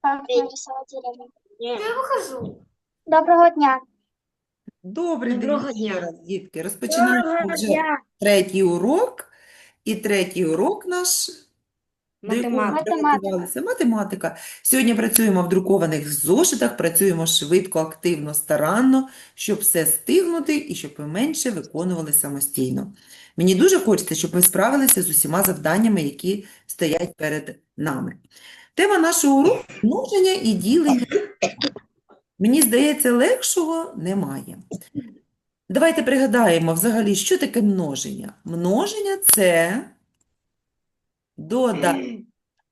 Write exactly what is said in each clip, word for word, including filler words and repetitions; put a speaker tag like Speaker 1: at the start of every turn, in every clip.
Speaker 1: Так, Нарисова деревня.
Speaker 2: Я выхожу.
Speaker 1: Доброго дня.
Speaker 3: Добрий день
Speaker 2: Доброго
Speaker 3: ще
Speaker 2: дня.
Speaker 3: раз, дітки. Розпочинаємо
Speaker 2: Доброго
Speaker 3: вже
Speaker 2: дня.
Speaker 3: третій урок. І третій урок наш, до якого ми
Speaker 2: Математика.
Speaker 3: приготувалися, математика. Сьогодні працюємо в друкованих зошитах, працюємо швидко, активно, старанно, щоб все стигнути і щоб ми менше виконували самостійно. Мені дуже хочеться, щоб ми справилися з усіма завданнями, які стоять перед нами. Тема нашого уроку – множення і ділення. Мені здається, легшого немає. Давайте пригадаємо взагалі, що таке множення. Множення – це додавання.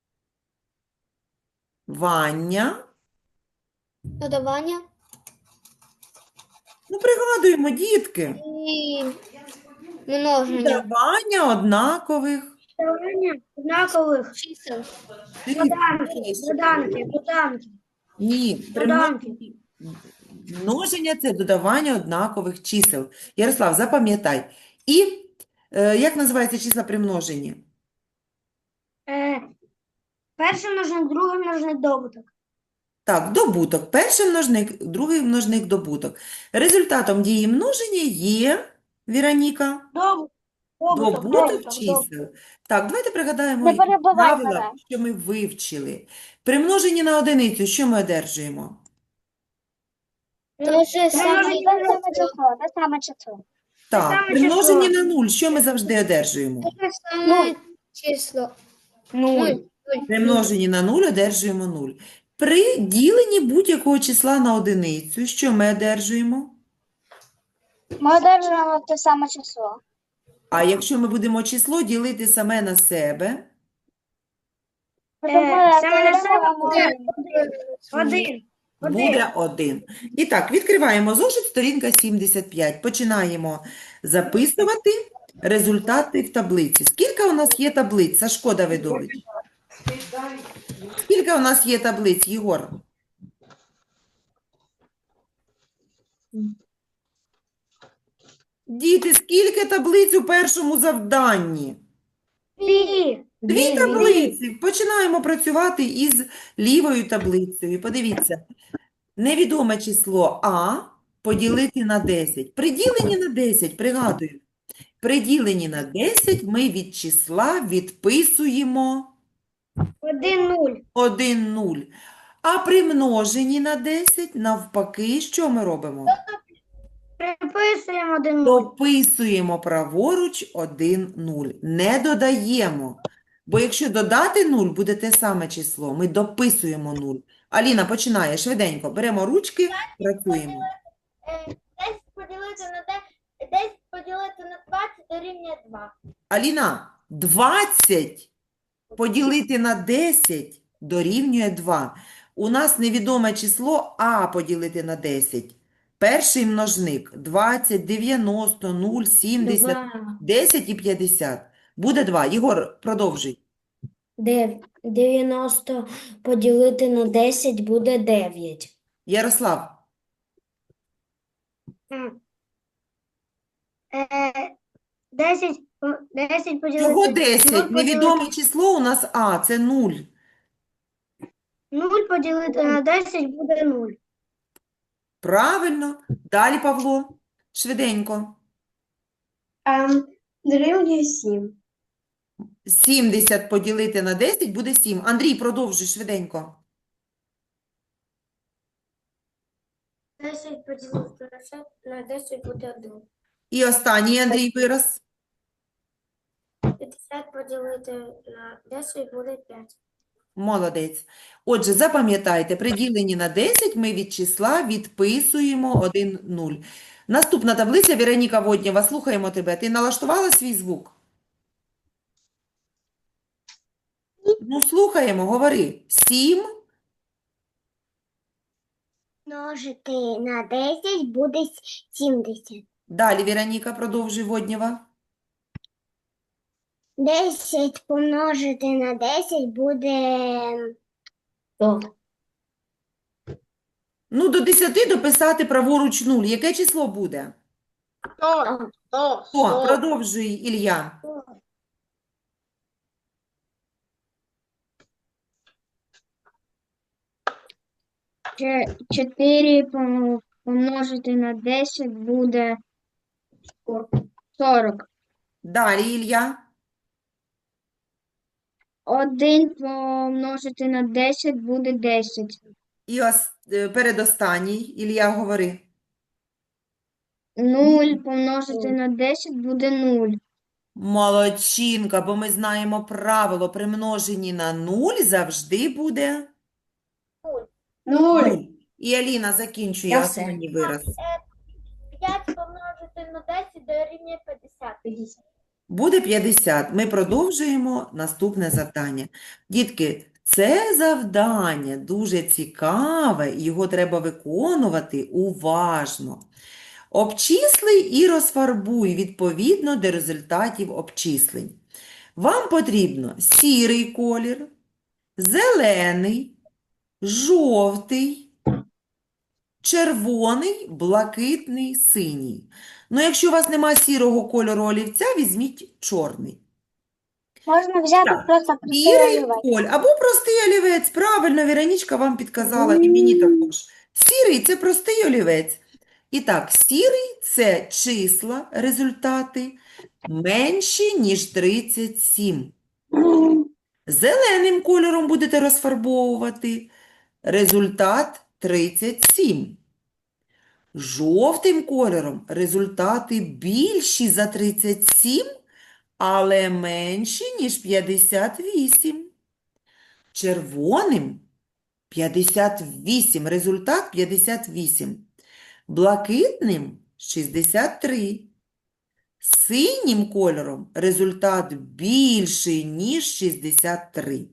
Speaker 2: Додавання
Speaker 3: Ну, пригадуємо, дітки.
Speaker 2: і множення.
Speaker 3: Додавання однакових.
Speaker 2: Додавання однакових чисел.
Speaker 3: Дивіться,
Speaker 2: Доданки, доданки, доданки.
Speaker 3: Ні, при
Speaker 2: Доданки.
Speaker 3: множенні- множення – це додавання однакових чисел. Ярослав, запам'ятай. І е, як називаються числа при множенні?
Speaker 2: Е, перший множник, другий множник, добуток.
Speaker 3: Так, добуток. Перший множник, другий множник, добуток. Результатом дії множення є, Віроніка,
Speaker 2: Добуток, добуток,
Speaker 3: добуток
Speaker 2: добуток, добуток.
Speaker 3: чисел. Так, давайте пригадаємо
Speaker 1: Не перебивай
Speaker 3: правила,
Speaker 1: мене.
Speaker 3: що ми вивчили. При множенні на одиницю що ми одержуємо?
Speaker 1: Те ж саме,
Speaker 2: множення
Speaker 1: те
Speaker 2: на
Speaker 1: саме число, те саме число.
Speaker 3: Так,
Speaker 2: саме
Speaker 3: при множенні
Speaker 2: число.
Speaker 3: на нуль що ми завжди одержуємо?
Speaker 2: Нуль. Число. Нуль.
Speaker 3: При множенні на нуль одержуємо нуль. При діленні будь-якого числа на одиницю що ми одержуємо?
Speaker 1: Ми одержуємо те саме число.
Speaker 3: А якщо ми будемо число ділити саме на себе,
Speaker 1: Тобто ми
Speaker 2: Е, саме на себе
Speaker 1: отримуємо
Speaker 2: буде
Speaker 1: один.
Speaker 2: один.
Speaker 3: буде один. І так, відкриваємо зошит, сторінка сімдесят п'ять. Починаємо записувати результати в таблиці. Скільки у нас є таблиць, Сашко Давидович? Скільки у нас є таблиць, Єгор? Діти, скільки таблиць у першому завданні?
Speaker 2: Дві.
Speaker 3: Дві таблиці. Починаємо працювати із лівою таблицею. Подивіться. Невідоме число А поділити на десять. При діленні на десять, пригадую, при діленні на десять ми від числа відписуємо
Speaker 2: Один нуль.
Speaker 3: один нуль. А при множенні на десять, навпаки, що ми робимо?
Speaker 2: Приписуємо один нуль.
Speaker 3: Дописуємо праворуч один нуль. Не додаємо. Бо якщо додати нуль, буде те саме число. Ми дописуємо нуль. Аліна, починає швиденько. Беремо ручки, працюємо.
Speaker 4: десять поділити на де- десять поділити на двадцять дорівнює два.
Speaker 3: Аліна, двадцять поділити на десять дорівнює два. У нас невідоме число А поділити на десять. Перший множник – двадцять, дев'яносто, нуль, сімдесят, десять і п'ятдесят. Буде два. Єгор, продовжуй.
Speaker 5: дев'яносто поділити на десять буде дев'ять.
Speaker 3: Ярослав,
Speaker 2: Е, десять, по- десять поділити.
Speaker 3: чого
Speaker 2: нуль
Speaker 3: десять?
Speaker 2: поділити-
Speaker 3: Невідоме число у нас А, це нуль.
Speaker 2: нуль поділити на десять буде нуль.
Speaker 3: Правильно. Далі, Павло. Швиденько.
Speaker 2: Ем, дорівнює сім.
Speaker 3: сімдесят поділити на десять буде сім. Андрій, продовжуй швиденько.
Speaker 2: десять поділити на десять буде один.
Speaker 3: І останній, Андрій, вираз.
Speaker 2: п'ятдесят поділити на десять буде п'ять.
Speaker 3: Молодець. Отже, запам'ятайте, при діленні на десять ми від числа відписуємо один нуль. Наступна таблиця, Віроніка Воднєва, слухаємо тебе. Ти налаштувала свій звук? Ну, слухаємо, говори. сім.
Speaker 4: Множити на десять буде сімдесят.
Speaker 3: Далі, Віроніка, продовжуй Воднєва.
Speaker 4: десять помножити на десять буде
Speaker 5: То
Speaker 3: Ну, до десяти дописати праворуч нуль. Яке число буде?
Speaker 4: сто. сто.
Speaker 3: О, продовжуй, Ілля.
Speaker 2: чотири помножити на десять буде сорок.
Speaker 3: Далі, Ілля.
Speaker 2: один помножити на десять буде десять.
Speaker 3: І ос... е, передостанній, Ілля, говори.
Speaker 2: нуль помножити на десять буде нуль.
Speaker 3: Молодчинка, бо ми знаємо правило, при множенні на нуль завжди буде нуль. І Аліна закінчує
Speaker 5: Я все.
Speaker 3: останній вираз.
Speaker 4: п'ять помножити на десять дорівнює п'ятдесят.
Speaker 3: Буде п'ятдесят. Ми продовжуємо наступне завдання. Дітки, це завдання дуже цікаве, і його треба виконувати уважно. Обчисли і розфарбуй відповідно до результатів обчислень. Вам потрібно сірий колір, зелений, жовтий, червоний, блакитний, синій. Ну, якщо у вас немає сірого кольору олівця, візьміть чорний.
Speaker 1: Можна взяти
Speaker 3: Так.
Speaker 1: просто простий
Speaker 3: Сірий
Speaker 1: олівець.
Speaker 3: коль або простий олівець. Правильно, Віронічка вам підказала, і мені також. Сірий – це простий олівець. І так, сірий – це числа, результати, менші, ніж тридцять сім. Зеленим кольором будете розфарбовувати. Результат тридцять сім. Жовтим кольором результати більші за тридцять сім, але менші, ніж п'ятдесят вісім. Червоним п'ятдесят вісім, результат п'ятдесят вісім. Блакитним шістдесят три. Синім кольором результат більший, ніж шістдесят три.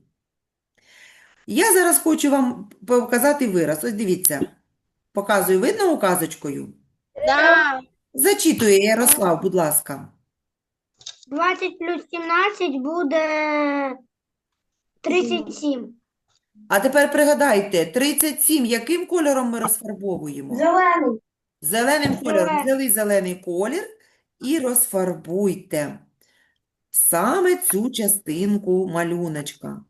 Speaker 3: Я зараз хочу вам показати вираз. Ось дивіться. Показую, видно указочкою?
Speaker 2: Да.
Speaker 3: Зачитує Ярослав, будь ласка.
Speaker 2: двадцять плюс сімнадцять буде тридцять сім.
Speaker 3: А тепер пригадайте, тридцять сім яким кольором ми розфарбовуємо?
Speaker 2: Зелений.
Speaker 3: Зеленим кольором.
Speaker 2: Зелений.
Speaker 3: Взяли зелений колір і розфарбуйте саме цю частинку малюночка.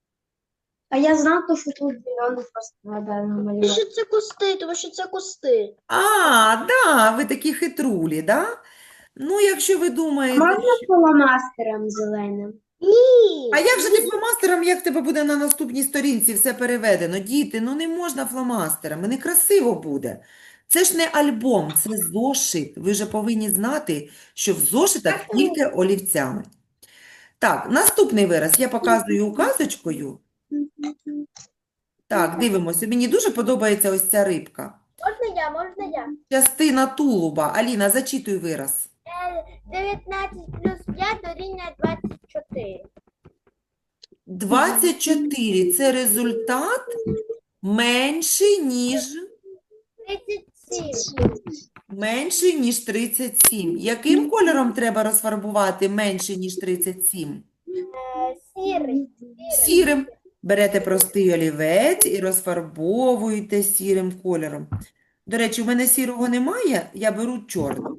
Speaker 2: А я знав, що тут зелений просто треба намалювати.
Speaker 4: Що це кусти, тому що це кусти.
Speaker 3: А, да, ви такі хитрулі, да? Ну, якщо ви думаєте, що...
Speaker 2: фломастером зеленим?
Speaker 4: Ні.
Speaker 3: А як же ти фломастером, як в тебе буде на наступній сторінці все переведено? Діти, ну не можна фломастерами, некрасиво буде. Це ж не альбом, це зошит. Ви вже повинні знати, що в зошитах тільки олівцями. Так, наступний вираз я показую указочкою. Так, дивимося. Мені дуже подобається ось ця рибка.
Speaker 4: Можна я, можна я.
Speaker 3: Частина тулуба. Аліна, зачитуй вираз.
Speaker 4: Е, дев'ятнадцять плюс п'ять дорівнює двадцять чотири.
Speaker 3: двадцять чотири – це результат менший, ніж...
Speaker 4: тридцять сім.
Speaker 3: Менший, ніж тридцять сім. Яким кольором треба розфарбувати менше, ніж тридцять сім?
Speaker 4: Е, сірий.
Speaker 3: Сірим. Берете простий олівець і розфарбовуєте сірим кольором. До речі, у мене сірого немає, я беру чорний.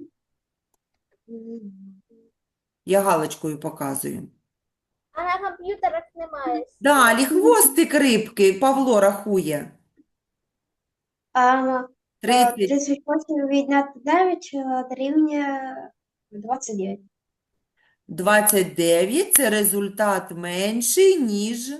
Speaker 3: Я галочкою показую.
Speaker 4: А на комп'ютерах немає.
Speaker 3: Далі хвостик рибки Павло рахує.
Speaker 2: А,
Speaker 3: тридцять.
Speaker 2: тридцять восемь відняти дев'ять дорівнює двадцять дев'ять.
Speaker 3: двадцять дев'ять – це результат менший, ніж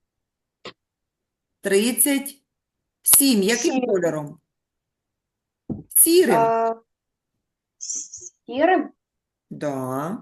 Speaker 3: тридцять сім. Яким
Speaker 2: Сім.
Speaker 3: кольором? Сірим.
Speaker 2: А, сірим?
Speaker 3: Да.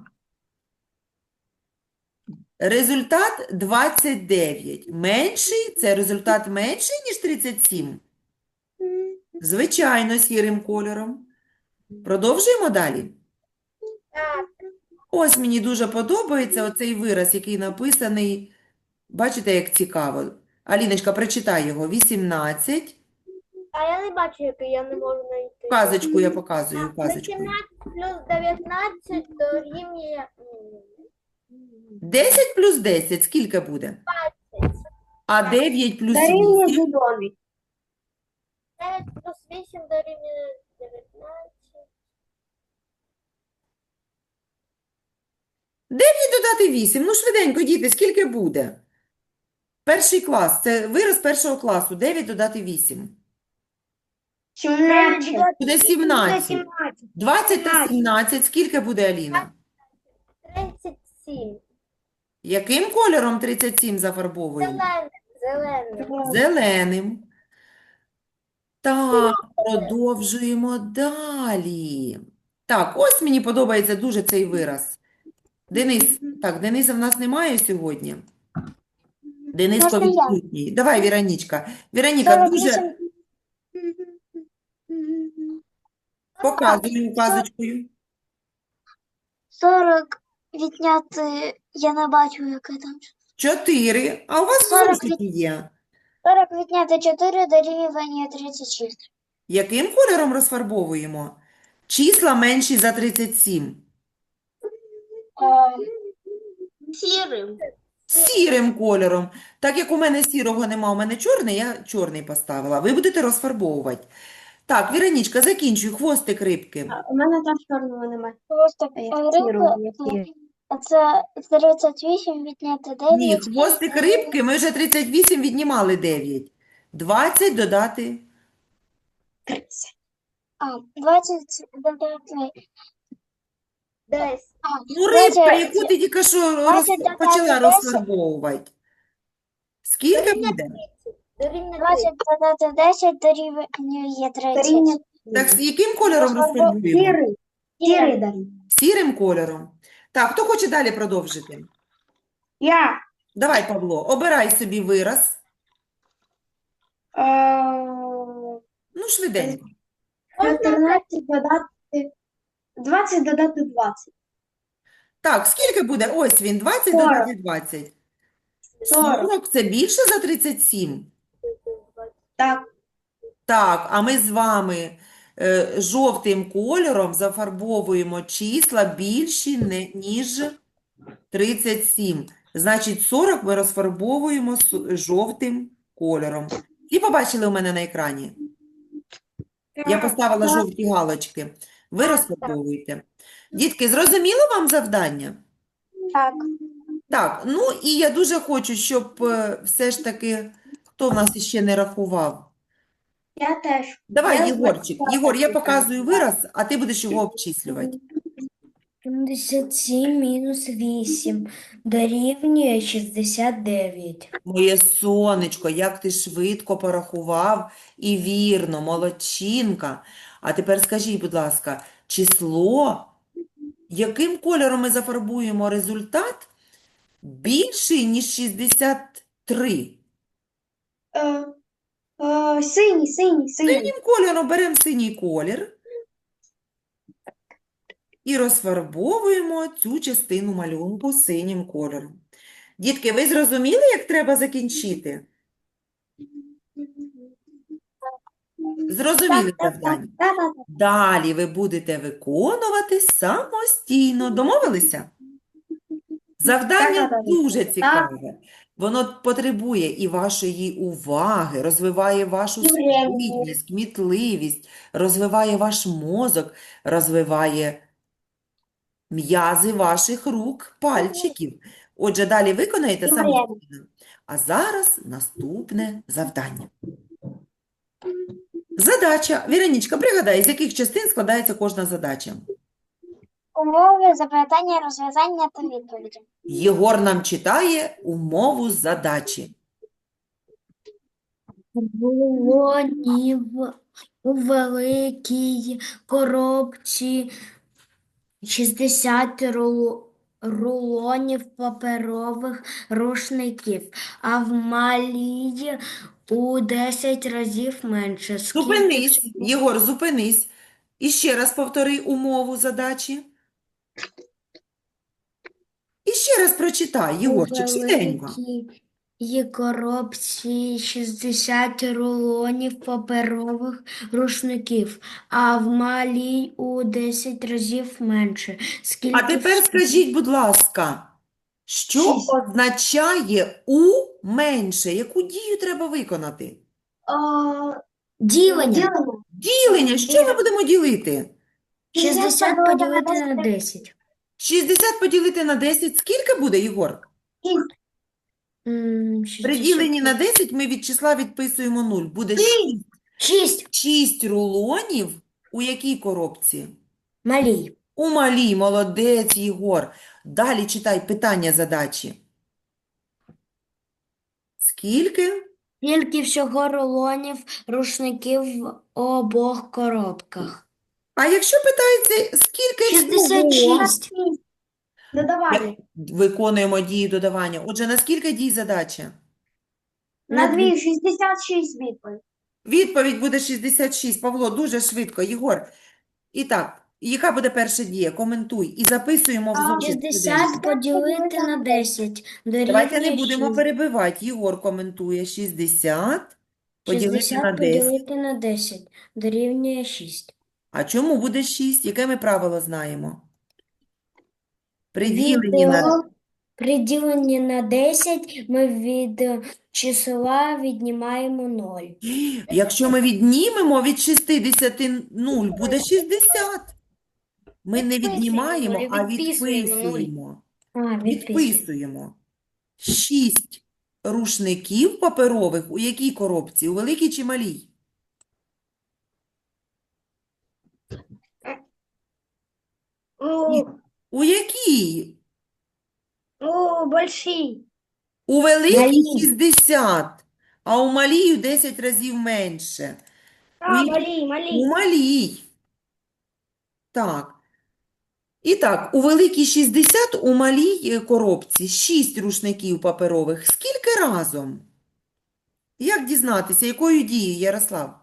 Speaker 3: Результат двадцять дев'ять. Менший – це результат менший, ніж тридцять сім? Звичайно, сірим кольором. Продовжуємо далі.
Speaker 4: Так.
Speaker 3: Ось мені дуже подобається оцей вираз, який написаний. Бачите, як цікаво. Аліночка, прочитай його. вісімнадцять.
Speaker 4: А я не бачу, який я не можу знайти.
Speaker 3: Указочку я показую, указочкою.
Speaker 4: вісімнадцять плюс дев'ятнадцять дорівнює
Speaker 3: десять плюс десять скільки буде? А дев'ять плюс
Speaker 2: Дорівнює
Speaker 3: вісім?
Speaker 2: зелений.
Speaker 4: дев'ять плюс вісім дорівнює дев'ятнадцять.
Speaker 3: дев'ять додати вісім. Ну, швиденько, діти, скільки буде? Перший клас. Це вираз першого класу. дев'ять додати вісім.
Speaker 2: сімнадцять.
Speaker 3: Буде сімнадцять. двадцять та
Speaker 2: сімнадцять.
Speaker 3: сімнадцять. Скільки буде, Аліна?
Speaker 4: тридцять сім.
Speaker 3: Яким кольором тридцять сім зафарбовуємо?
Speaker 4: Зелений. Зелений.
Speaker 3: Зеленим. Так, продовжуємо далі. Так, ось мені подобається дуже цей вираз. Денис, так, Дениса в нас немає сьогодні. Дениско
Speaker 1: Можна я?
Speaker 3: відсутній. Давай, Віроніка. Віроніка, дуже
Speaker 1: сорок вісім,
Speaker 3: показуй указочкою.
Speaker 1: сорок відняти, я не бачу, яке там.
Speaker 3: Чотири. А у вас в
Speaker 1: сорок
Speaker 3: зошиті є.
Speaker 1: сорок відняти чотири дорівнює тридцять шість.
Speaker 3: Яким кольором розфарбовуємо? Числа менші за тридцять сім.
Speaker 1: Сірим.
Speaker 3: Сірим кольором. Так як у мене сірого нема, у мене чорний, я чорний поставила. Ви будете розфарбовувати. Так, Віронічка, закінчуй. Хвостик рибки.
Speaker 2: У мене там чорного немає.
Speaker 1: Просто
Speaker 2: А я
Speaker 1: рибка,
Speaker 2: сірого, я сірий.
Speaker 1: а це тридцять вісім відняти
Speaker 3: Ні,
Speaker 1: дев'ять.
Speaker 3: хвостик рибки, ми вже тридцять вісім віднімали дев'ять. двадцять додати.
Speaker 2: тридцять.
Speaker 1: А, двадцять додати.
Speaker 4: Десять.
Speaker 1: А,
Speaker 3: Ну, рибка,
Speaker 1: двадцять
Speaker 3: яку ти тільки що роз...
Speaker 1: двадцять додати
Speaker 3: почала
Speaker 1: десять.
Speaker 3: розфарбовувати. Скільки буде?
Speaker 4: Дорівнює
Speaker 1: двадцять додати десять дорівнює тридцять.
Speaker 2: Дорівнює
Speaker 3: Так, з яким кольором
Speaker 1: Розфарбов-
Speaker 3: розфарбуємо?
Speaker 2: Сірий. Сірий дорівнює.
Speaker 3: Сірим кольором. Так, хто хоче далі продовжити?
Speaker 2: Я.
Speaker 3: Давай, Павло, обирай собі вираз.
Speaker 2: Е,
Speaker 3: Ну, швиденько.
Speaker 2: чотирнадцять додати. двадцять додати двадцять.
Speaker 3: Так, скільки буде? Ось він, двадцять
Speaker 2: сорок.
Speaker 3: додати двадцять.
Speaker 2: сорок.
Speaker 3: сорок – це більше за тридцять сім?
Speaker 2: Так.
Speaker 3: Так, а ми з вами е, жовтим кольором зафарбовуємо числа більші, не, ніж тридцять сім. Значить, сорок ми розфарбовуємо су- жовтим кольором. Всі побачили у мене на екрані? Я поставила
Speaker 2: Так.
Speaker 3: жовті галочки. Ви розфарбовуєте. Дітки, зрозуміло вам завдання?
Speaker 1: Так.
Speaker 3: Так, ну і я дуже хочу, щоб е, все ж таки, хто в нас іще не рахував?
Speaker 2: Я теж.
Speaker 3: Давай,
Speaker 2: Я
Speaker 3: Єгорчик.
Speaker 2: знаю,
Speaker 3: Єгор, я
Speaker 2: так,
Speaker 3: показую
Speaker 2: так.
Speaker 3: вираз, а ти будеш його обчислювати.
Speaker 5: сімдесят сім мінус вісім дорівнює шістдесят дев'ять.
Speaker 3: Моє сонечко, як ти швидко порахував і вірно, молодчинка. А тепер скажіть, будь ласка, число, яким кольором ми зафарбуємо результат більший, ніж шістдесят три?
Speaker 2: Е, е, синій, синій, синій.
Speaker 3: Синім кольором беремо синій колір і розфарбовуємо цю частину малюнку синім кольором. Дітки, ви зрозуміли, як треба закінчити? Зрозуміли завдання?
Speaker 2: Так, так, так.
Speaker 3: Далі ви будете виконувати самостійно. Домовилися? Завдання
Speaker 2: Так, так, так.
Speaker 3: дуже цікаве. Воно потребує і вашої уваги, розвиває вашу
Speaker 2: І времени.
Speaker 3: спритність, кмітливість, розвиває ваш мозок, розвиває м'язи ваших рук, пальчиків. Отже, далі виконаєте
Speaker 2: І времени.
Speaker 3: самостійно. А зараз наступне завдання. Задача. Віронічка, пригадай, з яких частин складається кожна задача?
Speaker 1: Умови, запитання, розв'язання та відповіді.
Speaker 3: Єгор нам читає умову задачі.
Speaker 5: Рулонів у великій коробці шістдесят руло- рулонів паперових рушників, а в малій у десять разів менше. Скільки
Speaker 3: Зупинись,
Speaker 5: цього
Speaker 3: Єгор, зупинись. І ще раз повтори умову задачі. І ще раз прочитай,
Speaker 5: у
Speaker 3: Єгорчик, швиденько.
Speaker 5: великій коробці шістдесят рулонів паперових рушників, а в малій у десять разів менше. Скільки
Speaker 3: А тепер скажіть, будь ласка, що
Speaker 2: Шість.
Speaker 3: означає «у» менше? Яку дію треба виконати?
Speaker 2: Е,
Speaker 5: ділення?
Speaker 2: ділення.
Speaker 3: Ділення. Що ми будемо ділити?
Speaker 5: шістдесят поділити на десять.
Speaker 3: шістдесят поділити на десять. Скільки буде, Єгор?
Speaker 5: М,
Speaker 3: При діленні на
Speaker 5: шістдесят
Speaker 3: десять ми від числа відписуємо нуль. Буде шість.
Speaker 5: шість.
Speaker 3: шість рулонів у якій коробці?
Speaker 5: Малій.
Speaker 3: У малій, молодець, Єгор. Далі читай питання задачі. Скільки?
Speaker 5: Скільки всього рулонів рушників в обох коробках?
Speaker 3: А якщо питається, скільки
Speaker 5: шістдесят
Speaker 3: всього?
Speaker 5: шість.
Speaker 2: Додавання.
Speaker 3: Виконуємо дії додавання. Отже, на скільки дій задача?
Speaker 2: На дві шістдесят шість відповідь.
Speaker 3: Відповідь буде шістдесят шість. Павло, дуже швидко. Єгор. І так, яка буде перша дія? Коментуй. І записуємо в зошит швиденько.
Speaker 5: шістдесят поділити на десять
Speaker 3: Давайте не
Speaker 5: дорівнює
Speaker 3: будемо
Speaker 5: шість.
Speaker 3: перебивати. Єгор коментує. шістдесят поділити на
Speaker 5: шістдесят
Speaker 3: десять.
Speaker 5: поділити на десять дорівнює шість.
Speaker 3: А чому буде шість? Яке ми правило знаємо? При
Speaker 5: Від,
Speaker 3: діленні на...
Speaker 5: е, При діленні на десять ми від е, числа віднімаємо ноль.
Speaker 3: Якщо ми віднімемо від шістдесят нуль, буде шістдесят. Ми не
Speaker 5: Відписуємо,
Speaker 3: віднімаємо,
Speaker 5: Оля,
Speaker 3: а
Speaker 5: відписуємо нуль.
Speaker 3: відписуємо.
Speaker 5: А, відписуємо.
Speaker 3: Відписуємо. Шість рушників паперових у якій коробці? У великій чи малій?
Speaker 2: У,
Speaker 3: У якій?
Speaker 2: у большій.
Speaker 3: У великій
Speaker 5: Малій.
Speaker 3: шістдесят, а у малій у десять разів менше.
Speaker 2: А,
Speaker 3: Ні.
Speaker 2: малій, малій.
Speaker 3: У малій. Так. І так, у великій шістдесят, у малій е, коробці шість рушників паперових. Скільки разом? Як дізнатися, якою дією, Ярослав?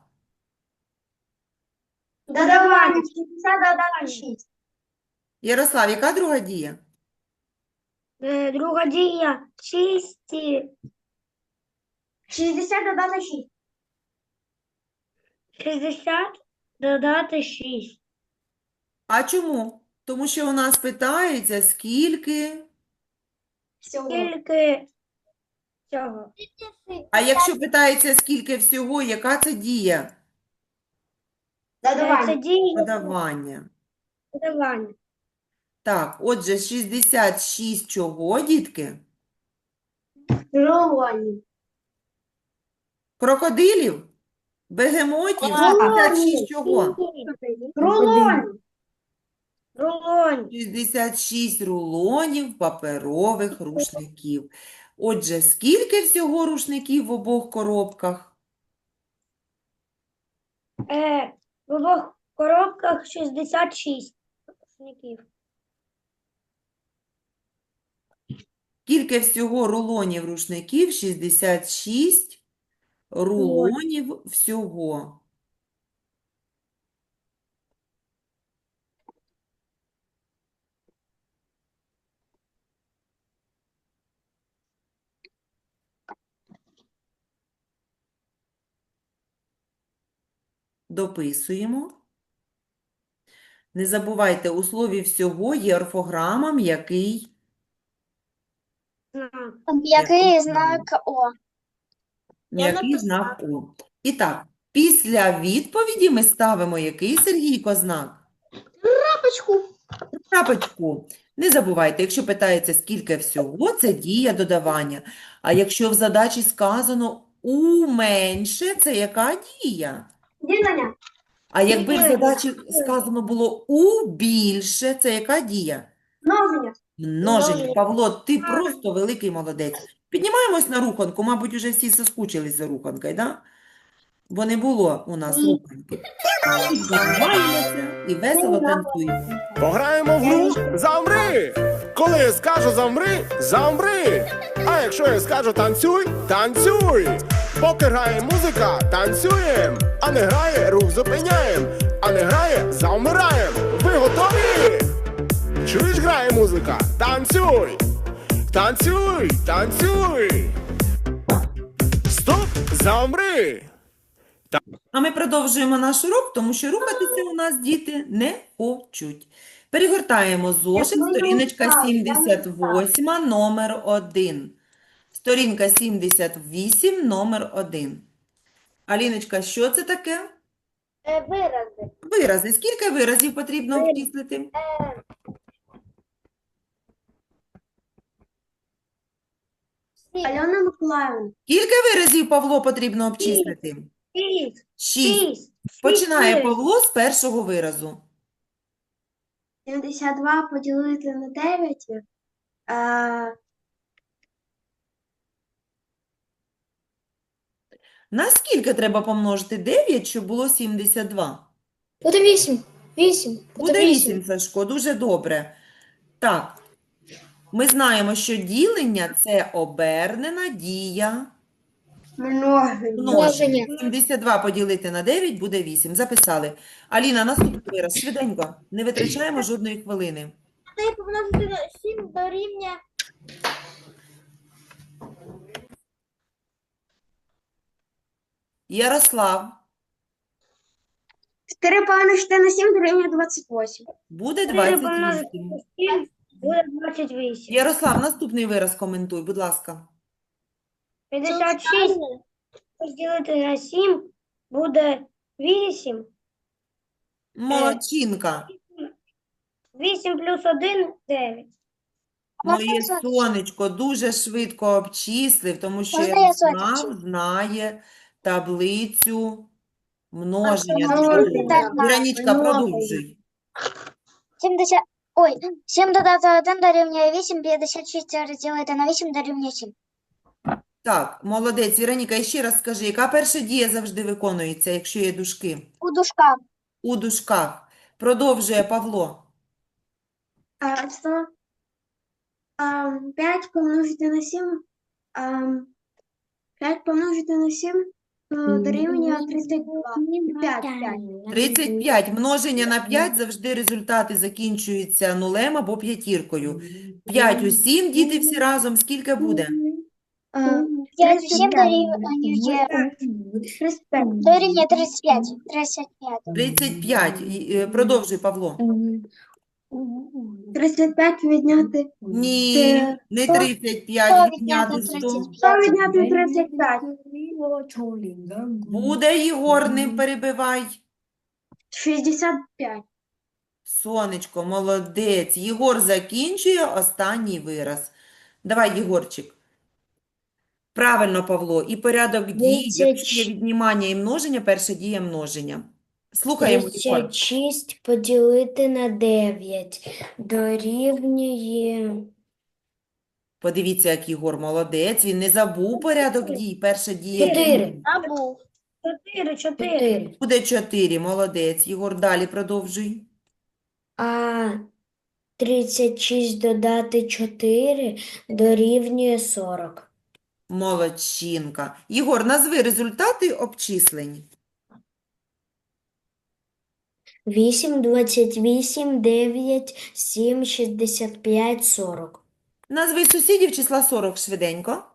Speaker 2: Додавання. шістдесят додати шість.
Speaker 3: Ярослав, яка друга дія?
Speaker 2: Е, Друга дія. шість. шістдесят додати шість. шістдесят додати шість.
Speaker 3: А чому? Тому що у нас питається, скільки.
Speaker 2: Скільки цього?
Speaker 3: А якщо питається, скільки всього, яка це дія?
Speaker 2: Це дія
Speaker 3: Додавання.
Speaker 2: додавання.
Speaker 3: Так, отже, шістдесят шість чого, дітки?
Speaker 2: Рулонів.
Speaker 3: Крокодилів? Бегемотів? шістдесят шість чого?
Speaker 2: Рулонів. Рулонів.
Speaker 3: шістдесят шість рулонів паперових рушників. Отже, скільки всього рушників в обох коробках?
Speaker 2: Е, в обох коробках шістдесят шість рушників.
Speaker 3: Скільки всього рулонів рушників? шістдесят шість рулонів всього. Дописуємо. Не забувайте, у слові всього є орфограма, м'який.
Speaker 2: Знак.
Speaker 1: Який знак О?
Speaker 3: М'який знак О. І так, після відповіді ми ставимо який, Сергійко, знак?
Speaker 2: Крапочку.
Speaker 3: Крапочку. Не забувайте, якщо питається, скільки всього, це дія додавання. А якщо в задачі сказано «у менше», це яка дія?
Speaker 2: Ділення.
Speaker 3: А якби в
Speaker 2: Дія.
Speaker 3: задачі сказано було «у більше», це яка дія?
Speaker 2: Множення.
Speaker 3: Множення.
Speaker 2: Множення.
Speaker 3: Павло, ти просто великий молодець. Піднімаємось на руханку. Мабуть, уже всі соскучились за руханкою, да? Бо не було у нас руханки. Піднімаємося і весело танцюємо.
Speaker 6: Пограємо в гру «Замри». Коли я скажу «замри» – замри. А якщо я скажу «танцюй» – танцюй. Поки грає музика – танцюєм. А не грає – рух зупиняєм. А не грає – завмираєм. Ви готові? Чуєш, грає музика? Танцюй! Танцюй! Танцюй! Стоп! Замри!
Speaker 3: А ми продовжуємо наш урок, тому що рухатися у нас діти не хочуть. Перегортаємо зошит,
Speaker 2: ми не
Speaker 3: сторіночка
Speaker 2: встали, я не
Speaker 3: сімдесят восьма, номер один. Сторінка сімдесят вісім, номер один. Аліночка, що це таке?
Speaker 4: Е, Вирази.
Speaker 3: Вирази. Скільки виразів потрібно обчислити?
Speaker 2: Альона Миколаївна.
Speaker 3: Скільки виразів, Павло, потрібно обчислити?
Speaker 2: Шість.
Speaker 3: Шість.
Speaker 2: Шість.
Speaker 3: Починає
Speaker 2: виразів.
Speaker 3: Павло з першого виразу.
Speaker 2: сімдесят два поділити на дев'ять. А,
Speaker 3: На скільки треба помножити дев'ять, щоб було сімдесят два?
Speaker 5: Буде вісім. Вісім.
Speaker 3: Буде вісім, Сашко, дуже добре. Так, ми знаємо, що ділення – це обернена дія
Speaker 2: множення.
Speaker 3: множення. сімдесят два поділити на дев'ять буде вісім. Записали. Аліна, наступний вираз. Швиденько. Не витрачаємо жодної хвилини.
Speaker 4: дев'ять помножити на сім дорівнює
Speaker 3: Ярослав,
Speaker 2: чотири помножити на сім дорівнює двадцять вісім.
Speaker 3: буде двадцять вісім.
Speaker 2: сім буде двадцять вісім.
Speaker 3: Ярослав, наступний вираз коментуй, будь ласка.
Speaker 2: п'ятдесят шість поділити на сім буде вісім.
Speaker 3: Молодчинка.
Speaker 2: вісім плюс один – дев'ять.
Speaker 3: Моє
Speaker 1: Можна я сонечко?
Speaker 3: сонечко дуже швидко обчислив, тому що
Speaker 1: Можна я
Speaker 3: Ярослав
Speaker 1: сонечко?
Speaker 3: знає таблицю множення.
Speaker 2: множення.
Speaker 3: чудово.
Speaker 1: Так,
Speaker 3: Віронічка,
Speaker 2: множення.
Speaker 3: продовжуй.
Speaker 1: сімдесят. Ой, сім додати один дорівнює вісім, п'ятдесят шість розділити на вісім дорівнює сім.
Speaker 3: Так, молодець. Віроніка, і ще раз скажи, яка перша дія завжди виконується, якщо є дужки?
Speaker 1: У дужках.
Speaker 3: У дужках. Продовжує Павло.
Speaker 2: А, сто, а, п'ять помножити на сім. А, п'ять помножити на сім а, дорівнює тридцять два. п'ять, п'ять.
Speaker 3: тридцять п'ять. Множення на п'ять завжди результати закінчуються нулем або п'ятіркою. п'ять у сім, діти всі разом, скільки буде?
Speaker 2: А,
Speaker 1: п'ять у сім дорівнює
Speaker 2: тридцять п'ять.
Speaker 1: дорівнює тридцять п'ять. тридцять п'ять.
Speaker 3: тридцять п'ять. І, е, Продовжуй, Павло.
Speaker 2: тридцять п'ять відняти.
Speaker 3: Ні,
Speaker 2: Це
Speaker 3: не
Speaker 1: сто-
Speaker 3: тридцять п'ять,
Speaker 1: сто
Speaker 3: відняти
Speaker 1: відняти
Speaker 3: сто.
Speaker 1: тридцять
Speaker 2: сто
Speaker 1: п'ять.
Speaker 2: відняти тридцять п'ять.
Speaker 3: Буде, Єгор, не перебивай.
Speaker 2: шістдесят п'ять.
Speaker 3: Сонечко, молодець. Єгор закінчує останній вираз. Давай, Єгорчик. Правильно, Павло. І порядок дій, якщо є віднімання і множення, перша дія множення. Слухаємо, Єгор.
Speaker 5: тридцять шість поділити на дев'ять дорівнює
Speaker 3: Подивіться, як Єгор молодець. Він не забув порядок дій. Перша дія.
Speaker 5: чотири.
Speaker 4: або
Speaker 2: чотири, чотири.
Speaker 5: чотири.
Speaker 3: Буде чотири. Молодець. Єгор, далі продовжуй.
Speaker 5: А тридцять шість додати чотири дорівнює сорок.
Speaker 3: Молодчинка. Єгор, назви результати обчислень.
Speaker 5: вісім, двадцять вісім, дев'ять, сім, шістдесят п'ять, сорок.
Speaker 3: Назви сусідів числа сорок швиденько.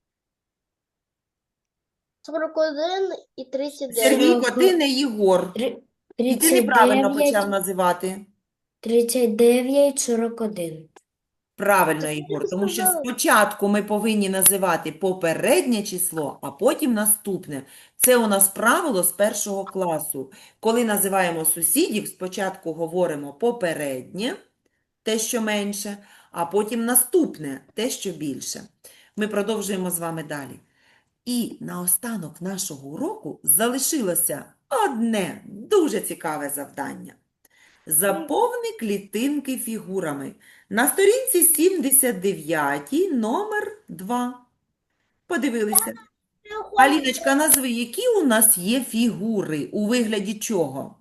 Speaker 4: сорок один і тридцять дев'ять.
Speaker 3: Сергійко, ти не Єгор.
Speaker 5: Три-
Speaker 3: І ти неправильно
Speaker 5: тридцять
Speaker 3: почав
Speaker 5: дев'ять,
Speaker 3: називати.
Speaker 5: тридцять дев'ять, сорок один.
Speaker 3: Правильно, Ігор, тому що
Speaker 4: сказала.
Speaker 3: спочатку ми повинні називати попереднє число, а потім наступне. Це у нас правило з першого класу. Коли називаємо сусідів, спочатку говоримо попереднє, те, що менше, а потім наступне, те, що більше. Ми продовжуємо з вами далі. І наостанок нашого уроку залишилося одне дуже цікаве завдання. Заповни клітинки фігурами. На сторінці сімдесят дев'ять, номер два. Подивилися. Аліночка, назви, які у нас є фігури, у вигляді чого?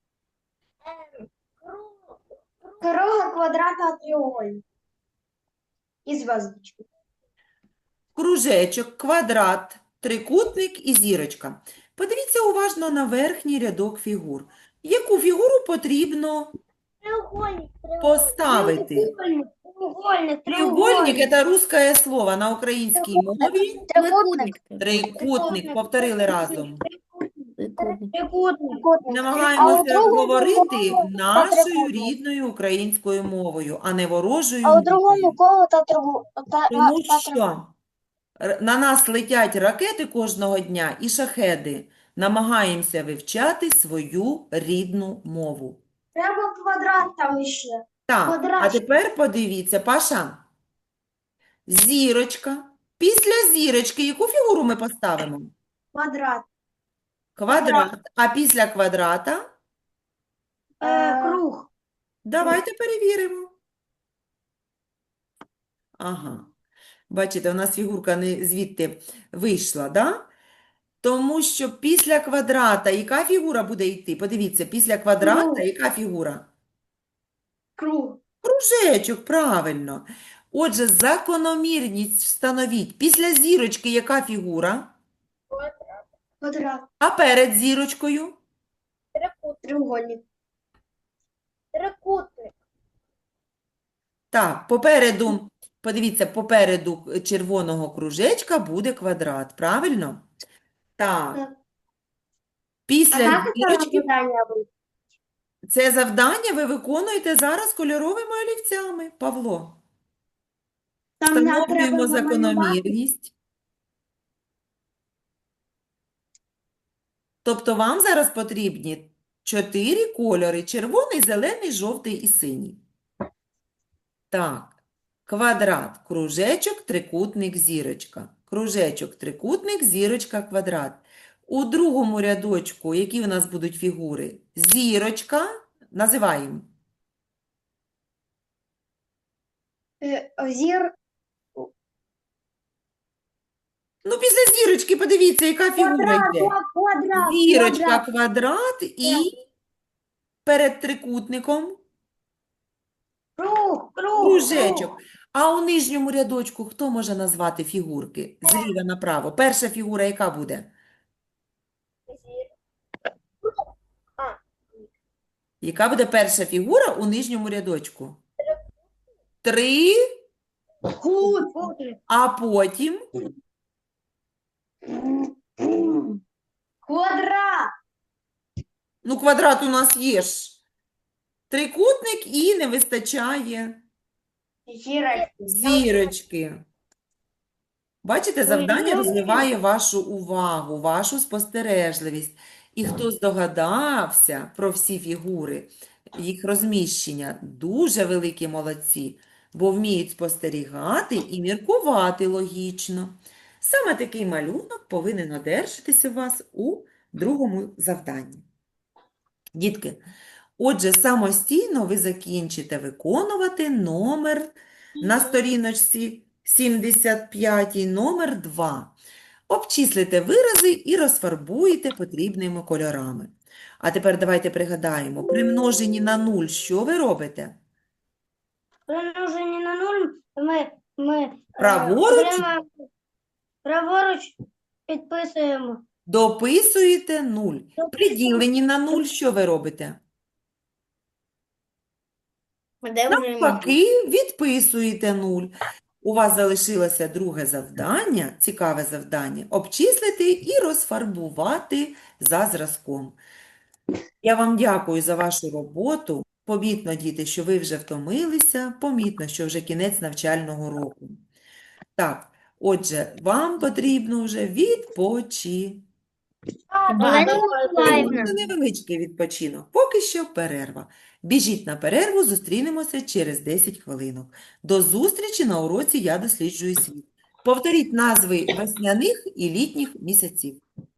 Speaker 2: Круга, квадрата, треугольник. І зв'язочки.
Speaker 3: Кружечок, квадрат, трикутник і зірочка. Подивіться уважно на верхній рядок фігур. Яку фігуру потрібно
Speaker 4: Треугольник, треугольник.
Speaker 3: поставити?
Speaker 2: Треугольник, треугольник,
Speaker 3: Треугольник – це русське слово на українській мові.
Speaker 1: Трикутник.
Speaker 3: Трикутник, повторили разом.
Speaker 5: Трикутник.
Speaker 2: Трикутник.
Speaker 1: Трикутник.
Speaker 3: Намагаємося
Speaker 1: другому
Speaker 3: говорити
Speaker 1: колу
Speaker 3: нашою
Speaker 1: трикутник.
Speaker 3: рідною українською мовою, а не ворожою
Speaker 1: А у
Speaker 3: мовою.
Speaker 1: другому колу та другу. Та,
Speaker 3: Тому
Speaker 1: та,
Speaker 3: що р- на нас летять ракети кожного дня і шахеди. Намагаємося вивчати свою рідну мову.
Speaker 2: Треба квадрат там ще.
Speaker 3: Так, а
Speaker 2: Квадратик.
Speaker 3: тепер подивіться, Паша. Зірочка Після зірочки яку фігуру ми поставимо?
Speaker 2: Квадрат.
Speaker 3: Квадрат. А після квадрата?
Speaker 2: Е, круг.
Speaker 3: Давайте перевіримо. Ага. Бачите, у нас фігурка не звідти вийшла, да? Тому що після квадрата яка фігура буде йти? Подивіться, після квадрата
Speaker 2: Круг.
Speaker 3: яка фігура?
Speaker 2: Круг.
Speaker 3: Кружечок, правильно. Отже, закономірність встановіть. Після зірочки яка фігура?
Speaker 2: Квадрат.
Speaker 3: А перед зірочкою?
Speaker 4: Трикутник.
Speaker 2: Треугольник.
Speaker 4: Трикутник.
Speaker 3: Так, попереду, подивіться, попереду червоного кружечка буде квадрат, правильно? Так.
Speaker 2: Так.
Speaker 3: Після
Speaker 2: це
Speaker 3: зірочки
Speaker 2: завдання буде?
Speaker 3: це завдання ви виконуєте зараз кольоровими олівцями, Павло.
Speaker 2: Там нам треба
Speaker 3: Встановлюємо
Speaker 2: намалювати.
Speaker 3: закономірність. Тобто вам зараз потрібні чотири кольори: червоний, зелений, жовтий і синій. Так, квадрат, кружечок, трикутник, зірочка. Кружечок, трикутник, зірочка, квадрат. У другому рядочку, які у нас будуть фігури? Зірочка, називаємо.
Speaker 2: Е, Зір.
Speaker 3: Ну, після зірочки подивіться, яка фігура
Speaker 2: Квадрат.
Speaker 3: йде.
Speaker 2: Квадрат.
Speaker 3: Зірочка,
Speaker 2: Квадрат.
Speaker 3: квадрат і перед трикутником
Speaker 2: Круг. Круг.
Speaker 3: кружечок. А у нижньому рядочку хто може назвати фігурки? Зліва направо. Перша фігура яка буде?
Speaker 4: Зір.
Speaker 3: Яка буде перша фігура у нижньому рядочку? Три,
Speaker 2: Кут.
Speaker 3: а потім
Speaker 2: Квадрат.
Speaker 3: ну, квадрат у нас є ж. Трикутник і не вистачає
Speaker 2: Зірочка.
Speaker 3: зірочки. Бачите, завдання розвиває вашу увагу, вашу спостережливість. І хто здогадався про всі фігури, їх розміщення, дуже великі молодці, бо вміють спостерігати і міркувати логічно. Саме такий малюнок повинен одержатися у вас у другому завданні. Дітки, отже, самостійно ви закінчите виконувати номер на сторіночці сімдесят п'ять, номер два. Обчислите вирази і розфарбуйте потрібними кольорами. А тепер давайте пригадаємо, при множенні на нуль що ви робите?
Speaker 5: Примножені на нуль ми, ми е,
Speaker 3: Праворуч?
Speaker 5: отримаємо- праворуч підписуємо.
Speaker 3: Дописуєте нуль. При діленні на нуль що ви робите?
Speaker 5: Де
Speaker 3: Навпаки, відписуєте нуль. У вас залишилося друге завдання, цікаве завдання, обчислити і розфарбувати за зразком. Я вам дякую за вашу роботу. Помітно, діти, що ви вже втомилися, помітно, що вже кінець навчального року. Так, отже, вам потрібно вже відпочити.
Speaker 1: Олена Миколаївна.
Speaker 3: Це невеличкий відпочинок. Поки що перерва. Біжіть на перерву, зустрінемося через десять хвилинок. До зустрічі на уроці «Я досліджую світ». Повторіть назви весняних і літніх місяців.